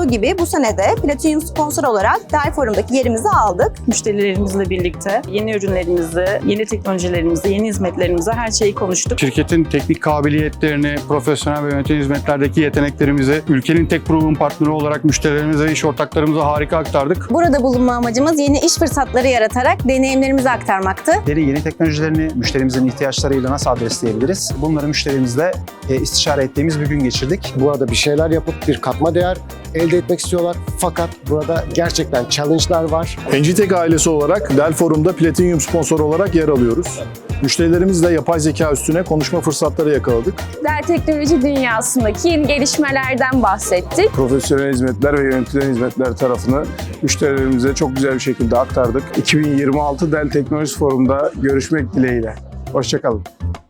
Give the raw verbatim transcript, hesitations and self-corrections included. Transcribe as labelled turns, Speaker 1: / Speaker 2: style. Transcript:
Speaker 1: olduğu gibi bu sene de Platinum sponsor olarak Dell Forum'daki yerimizi aldık.
Speaker 2: Müşterilerimizle birlikte yeni ürünlerimizi, yeni teknolojilerimizi, yeni hizmetlerimizi, her şeyi konuştuk.
Speaker 3: Şirketin teknik kabiliyetlerini, profesyonel ve yönetim hizmetlerdeki yeteneklerimizi ülkenin tek proven partneri olarak müşterilerimize ve iş ortaklarımıza harika aktardık.
Speaker 1: Burada bulunma amacımız yeni iş fırsatları yaratarak deneyimlerimizi aktarmaktı.
Speaker 4: Yeni teknolojilerini müşterimizin ihtiyaçlarıyla nasıl adresleyebiliriz? Bunları müşterimizle e, istişare ettiğimiz bir gün geçirdik.
Speaker 5: Burada bir şeyler yapıp bir katma değer elde etmek istiyorlar. Fakat burada gerçekten challenge'lar var.
Speaker 6: Engitek ailesi olarak Dell Forum'da Platinum sponsor olarak yer alıyoruz. Müşterilerimizle yapay zeka üstüne konuşma fırsatları yakaladık.
Speaker 7: Dell teknoloji dünyasındaki yeni gelişmelerden bahsettik.
Speaker 6: Profesyonel hizmetler ve yönetilen hizmetler tarafını müşterilerimize çok güzel bir şekilde aktardık. iki bin yirmi altı Dell Teknoloji Forum'da görüşmek dileğiyle. Hoşça kalın.